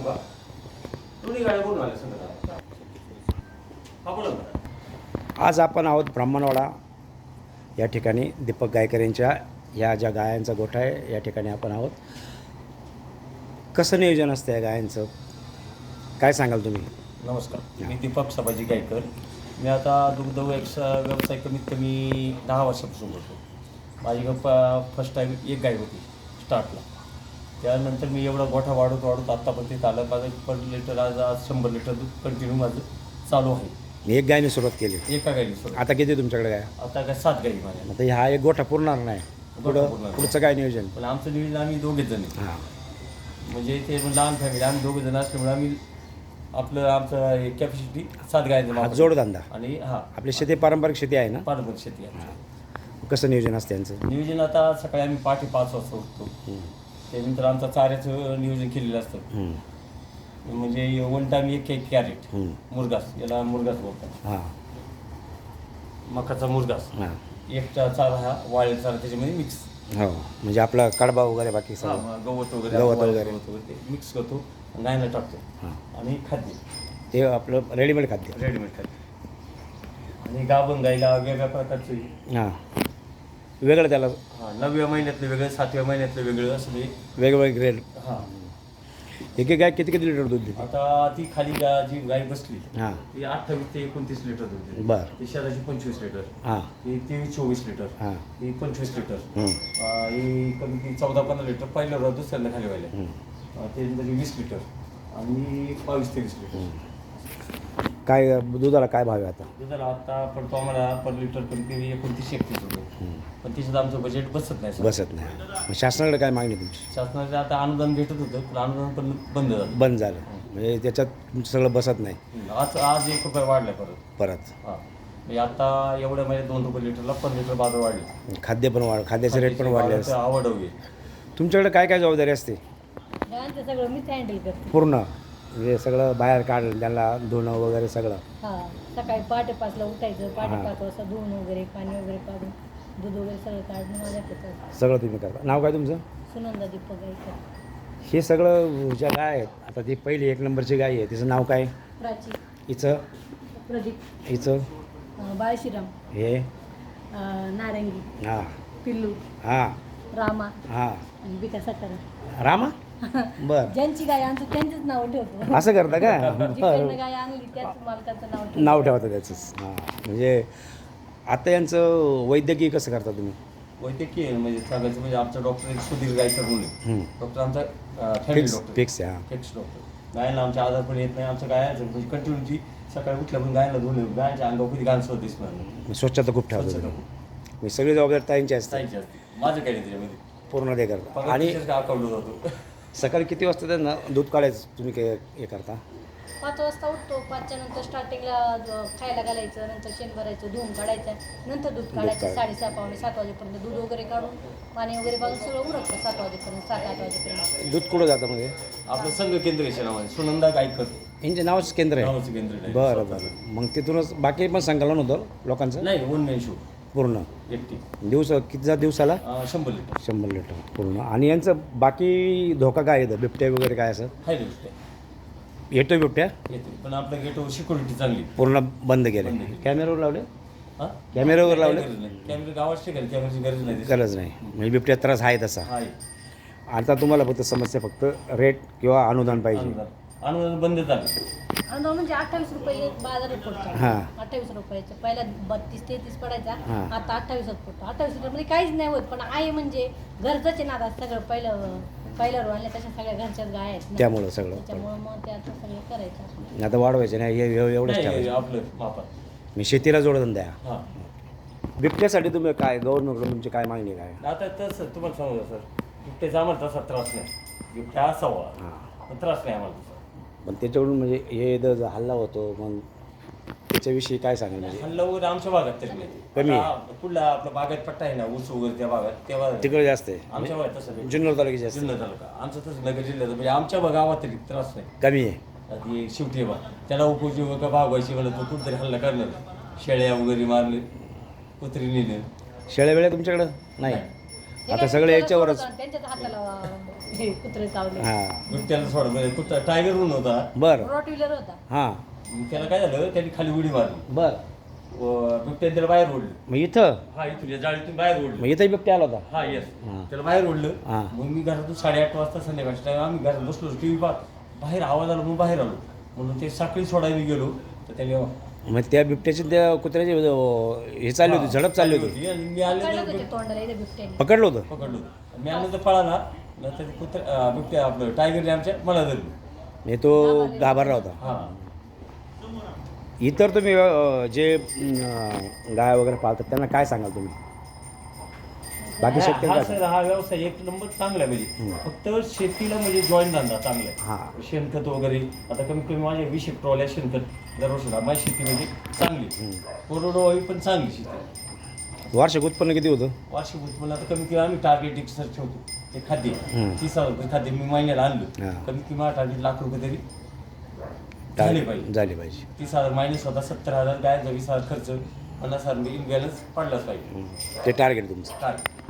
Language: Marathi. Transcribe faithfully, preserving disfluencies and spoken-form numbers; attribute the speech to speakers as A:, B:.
A: का दोन्ही गाड्या बोलून आल्या संध्याकाळी. हा बोला ना.
B: आज आपण आहोत ब्राह्मणवाडा या ठिकाणी दीपक गायकर यांच्या ह्या ज्या गायांचा गोठा आहे या ठिकाणी आपण आहोत. कसं नियोजन असतं या गायांचं काय सांगाल तुम्ही?
A: नमस्कार, मी दीपक सभाजी गायकर. मी आता दुग्ध व्यवसाय व्यवसाय कमीत कमी दहा वर्षापासून करतो. माझी प फर्स्ट टाईम एक गाय होती स्टार्टला. त्यानंतर मी एवढा गोठा वाढवत वाढवत आत्तापर्यंत आलं. माझं पर लिटर आज आज शंभर लिटर दूध कंटिन्यू माझं चालू आहे.
B: एक गायने सुरुवात केली,
A: एका गायनी सुरू.
B: आता किती तुमच्याकडे गाय?
A: आता काय सात गाई माझ्या.
B: आता हा एक गोठा पुरणार नाही, पुढं
A: पूर्ण
B: पुढचं काय नियोजन?
A: पण आमचं नियोजन आम्ही दोघेच जण आहे.
B: हां,
A: म्हणजे ते लहान फॅमिली आम्ही दोघे जण असल्यामुळे आम्ही आपलं आमचं कॅपॅसिटी सात गायचं
B: हा
A: वापर.
B: जोडधंदा.
A: आणि हा
B: आपली शेती पारंपरिक शेती आहे ना?
A: पारंपरिक शेती आहे.
B: हां. कसं नियोजन असतं त्यांचं?
A: नियोजन आता सकाळी आम्ही पहाटे पाच वाजता उठतो.
B: हं.
A: त्यानंतर आमचं चाऱ्याचं नियोजन केलेलं असतं.
B: हं.
A: म्हणजे वन टाईम एक एक कॅरेट
B: हं.
A: मुरगास, याला मुरगास बोलतात.
B: हां
A: मकाचा मुरगास
B: हां
A: एक चारा हा वाळलेला चारा त्याच्यामध्ये मिक्स.
B: हो, म्हणजे आपला कडबा वगैरे बाकी सगळं
A: गवत वगैरे
B: गवत
A: वाळलेलं
B: वगैरे.
A: गवत वगैरे ते मिक्स करतो, गायला टाकतो.
B: हां,
A: आणि खाद्य
B: ते आपलं रेडीमेड खाद्य.
A: रेडीमेड खाद्य. आणि गाभण गाईला वेगळ्या प्रकारचं
B: हां, वेगळं त्याला
A: हां नवव्या महिन्यातलं वेगळं, सातव्या महिन्यातलं वेगळं असं ते.
B: वेगवेगळे ग्रेड.
A: हां
B: एक एक गाय किती किती लिटर दूध देते?
A: आता ती खाली गा जी गाय बसली
B: हां
A: ती अठ्ठावीस ते एकोणतीस लिटर दूध देते.
B: बरं.
A: ती शहराची पंचवीस लिटर,
B: हां
A: ही तेवीस चोवीस लिटर,
B: हां
A: ही पंचवीस लिटर,
B: हं.
A: अं, ही कमी ती चौदा पंधरा लिटर पहिल्या रोज दुसऱ्यांदा खाली व्हायला.
B: हं.
A: त्यानंतर वीस लिटर आणि बावीस तेवीस लिटर.
B: काय दुधाला काय भाव आहे आता?
A: दुधाला आता पडतो आम्हाला पर लिटर कमी कमी एकोणतीस एकतीस रुपये.
B: हं.
A: पण तिच्यात आमचं बजेट बसत नाही सर.
B: बसत नाही. मग शासनाकडे काय मागणी तुमची?
A: शासनाचं आता अनुदान भेटत होतं पण अनुदान पण बंद झालं.
B: बंद झालं म्हणजे त्याच्यात तुमचं सगळं बसत नाही
A: आज आज एक रुपये वाढला परत.
B: परत.
A: हां म्हणजे आता एवढ्या महिन्यात दोन रुपये लिटरला पण लिटर बाजार वाढले.
B: खाद्य पण वाढ खाद्याचे रेट पण वाढले असते.
A: आवड हवी.
B: तुमच्याकडे काय काय जबाबदारी असते?
C: गायांचं सगळं मीच हँडल करते.
B: पूर्ण म्हणजे सगळं बाहेर काढलं त्यांना धुणं वगैरे सगळं?
C: हा सकाळी पहाटे पाचला उठायचं, पहाटे
B: हा.
C: पाच वाजता धुवून वगैरे पाणी वगैरे काढून दूध वगैरे सगळं काढून माझ्याकडे
B: सगळं तुम्ही करता. नाव काय तुमचं?
C: सुनंदा दीपक गायकर.
B: हे सगळं ज्या गाय आहेत आता ती पहिली एक नंबरची गाय आहे तिचं नाव काय?
C: प्राची,
B: हिचं
C: प्रदीप,
B: हिचं
C: अं, बाळशीराम,
B: हे
C: अं, नारंगी,
B: हां
C: पिल्लू,
B: हां
C: रामा
B: हां
C: आणि बिका सातारा.
B: रामा. बरं,
C: ज्यांची गाय आणतो त्यांचंच नाव ठेवतो.
B: असं करता का?
C: जिकडनं
B: बरं,
C: गाय आणली त्याच मालकाचं नाव ठेवतो.
B: नाव ठेवतं त्याचंच. हां म्हणजे आता यांचं वैद्यकीय कसं करता तुम्ही?
A: वैद्यकीय म्हणजे सांगायचं म्हणजे आमचा डॉक्टर एक सुधीर गायकर म्हणून
B: हं.
A: डॉक्टर आमचा फॅमिली
B: फिक्स
A: डॉक्टर
B: फिक्स आहे. हां
A: फिक्स डॉक्टर. गायला आमच्या आजार पण येत नाही. आमच्या गायचं म्हणजे कंटिन्यूटी सकाळी उठल्यापासून गायला धुणं, गायच्या अंगावर कधी गाण सोड दिसणार नाही.
B: स्वच्छता खूप ठेवतो
A: स्वच्छता
B: तुम्ही. म्हणजे सगळी जबाबदारी ताईंची असते,
A: जायची असते. माझं काही नाही त्याच्यामध्ये.
B: पूर्ण ते करता.
A: पगार
B: आणि
A: तिथेच का अकाउंटला जातो.
B: सकाळी किती वाजता त्यांना दूध काढायचं तुम्ही काय हे करता?
C: पाच वाजता उठतो. पाचच्या नंतर स्टार्टिंगला ज- खायला घालायचं, नंतर शेण भरायचं, धुवून काढायचं, नंतर दूध काढायचं.
B: काढ-
C: साडेसहा पावणे सात वाजेपर्यंत दूध वगैरे काढून पाणी वगैरे पाजून सगळं उरकतं सात वाजेपर्यंत, सात आठ वाजेपर्यंत.
B: दूध कुठं जातं म्हणजे?
A: आपलं संघ केंद्र आहे नावाने सुनंदा गायकर
B: यांच्या नावाचं केंद्र आहे?
A: नावाचं केंद्र आहे.
B: बरं बरं. मग तिथूनच बाकी पण संकलन होतं लोकांचं
A: नाही वन मॅन शो
B: पूर्ण
A: एकटी.
B: दिवस किती जा दिवसाला?
A: अं, शंभर लिटर
B: शंभर लिटर पूर्ण. आणि यांचं बाकी धोका काय येतं? बिबट्या वगैरे काय असं
A: आहे ना
B: येतो? बिबट्या
A: येते पण आपल्या गेटवर सिक्युरिटी चांगली.
B: पूर्ण बंद केले?
A: बंद केले.
B: कॅमेऱ्यावर लावले?
A: हां
B: कॅमेऱ्यावर लावले?
A: कॅमेरा गावात ठिकाणी कॅमेराची गरज नाही.
B: गरज नाही म्हणजे बिबट्या त्रास आहे तसा.
A: आहे
B: आता तुम्हाला फक्त समस्या फक्त रेट किंवा अनुदान पाहिजे.
A: अनुदान अनुदान बंद झालं.
C: अनुदान म्हणजे अठ्ठावीस रुपये बाजारात पडतो.
B: हां.
C: अठ्ठावीस रुपयाचं पहिला बत्तीस तेहतीस पडायचा,
B: हां.
C: आता अठ्ठावीसच पडतो. अठ्ठावीस रुपयामध्ये काहीच नाही होत, पण आहे म्हणजे घरचंच आहे ना. आता सगळं पहिलं पहिल्या आणल्या तशा सगळ्या घरच्याच गाय आहेत ना.
B: त्यामुळं सगळं
C: त्याच्यामुळं मग ते आता सगळं करायचं.
B: आता वाढवायचे नाही हे हे- एवढंच
A: नाही,
B: ठेवायचं.
A: आपलं मापात.
B: मी शेतीला जोडधंदा आहे.
A: हां
B: बिबट्यासाठी तुम्ही काय गव्हर्नमेंटकडून तुमची काय मागणी काय?
A: आता तसं तुम्हाला सांगू का सर, बिबट्याचा आम्हाला तसा त्रास नाही. बिबट्या असावा
B: हां.
A: पण त्रास नाही आम्हाला तसा.
B: पण त्याच्याकडून म्हणजे हे जर हल्ला होतो मग त्याच्याविषयी काय सांगाल? म्हणजे
A: हल्ला वगैरे आमच्या भागात तरी नाही.
B: कमी आहे.
A: आता कुठला आपला बागात पट्टा आहे ना ऊस वगैरे त्या भागात तेव्हा
B: तिकडे जास्त
A: आमच्या
B: आहे
A: भागात तसं नाही.
B: जुन्नर तालुक्याचे जास्त
A: जुन्नर तालुका आमचं तसं नगर जिल्ह्यात म्हणजे आमच्या गावात तरी त्रास नाही.
B: कमी आहे.
A: आता हे शेवटी बा त्याला उपजीविका भागवायची म्हणलं तर कुठतरी हल्ला करणार. शेळ्या वगैरे मारले, कुत्री नेले.
B: शेळ्या वेळ्या तुमच्याकडं नाही?
C: हे
B: आता
C: काय
B: सगळे
C: त्याला
B: याच्यावरच
C: सोडतं आणि त्यांच्याच हाताला हे कुत्रे चावले.
B: हां
A: बिबट्याला सोडा म्हणजे कुत्रा टायगर म्हणून होता.
B: बरं
C: रॉट व्हीलर होता.
B: हां
A: मग त्याला काय झालं, त्यांनी खाली उडी मारली.
B: बरं
A: व बिबट्याने त्याला बाहेर ओढलं.
B: मग इथं
A: हा इथून या जाळीतून बाहेर ओढलं.
B: मग इथंही बिबट्या आला होता.
A: हा येस.
B: हां
A: त्याला बाहेर ओढलं.
B: हां
A: मग मी घरातून साडेआठ वाजता संध्याकाळच्या टाइम आम्ही घरात बसलो टी व्ही पाहत, बाहेर आवाज आला म्हणून बाहेर आलो. म्हणून ते साखळी सोडायला गेलो तर त्याने
B: मग त्या बिबट्याची त्या कुत्र्याची अं, हे चालली होती, झडप चालली होती,
A: आणि मी
C: पकडलं
A: आले
C: होतं ते तोंडाला इथे बिबट्याने.
B: पकडलं होतं.
A: पकडलो. मी आल्यानंतर पळाला. नंतर कुत्रा बिबट्या आपलं टायगरने आमच्या मला धरलं.
B: म्हणजे तो घाबरला होता.
A: हा
B: इतर तुम्ही अं, जे अं, गाय वगैरे पाळतात त्यांना काय सांगाल तुम्ही? बाकी
A: हा
B: शेतकरी
A: हा
B: काय
A: सर
B: सांगाल?
A: हा व्यवसाय एक नंबर चांगला आहे. म्हणजे फक्त शेतीला म्हणजे जॉईन धंदा चांगला आहे.
B: हां
A: शेणखत वगैरे आता कमीत कमी माझ्या वीस एक ट्रॉल्या शेणखत दरवर्षीला माझी शेती म्हणजे चांगली कोरडवाहू पण चांगली शेती.
B: वार्षिक उत्पन्न किती होतं?
A: वार्षिक उत्पन्न आता कमीत कमी आम्ही टार्गेट एक सर ठेवतो ते खाद्य
B: हम्म.
A: तीस हजार रुपये खाद्य मी महिन्याला आणलं.
B: हां.
A: कमीत कमी माझं टार्गेट लाख रुपये तरी झाले पाहिजे.
B: झाली पाहिजे.
A: तीस हजार मायनस होता सत्तर हजार गायचा वीस हजार खर्च पन्नास हजार बॅलन्स पडलाच पाहिजे.
B: ते टार्गेट तुमचं.
A: टार्गेट